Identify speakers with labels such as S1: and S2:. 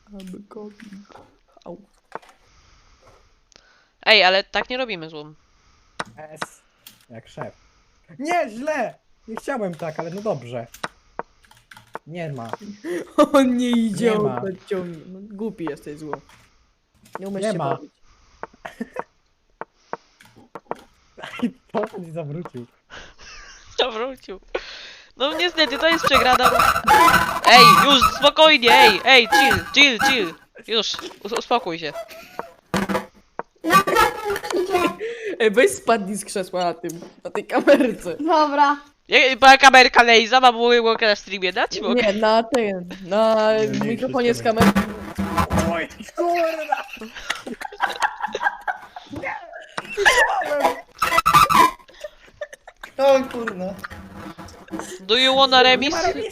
S1: Au.
S2: Ej, ale tak nie robimy złom.
S3: S. Jak szef. Nie, źle! Nie chciałem tak, ale no dobrze. Nie ma.
S1: On nie idzie,
S3: Nie
S1: on
S3: ma.
S1: to ciągnie. No, głupi jesteś zło. Nie umiesz
S3: Nie
S1: się
S3: ma.
S1: bawić.
S3: Potem się zawrócił.
S2: Zawrócił. No niestety, to jest przegrana. Ej, już, spokojnie, ej, chill. Już, uspokój się.
S1: Ej, weź spadnij z krzesła na tej kamerce.
S4: Dobra.
S2: Była kamerka Lejza, mam mogę na streamie dać? Mogę.
S1: Nie, na
S3: Nie,
S1: mikrofonie z
S3: wszystko
S1: kamery.
S3: Oj, kurwa!
S5: O kurna.
S2: Do you wanna remis?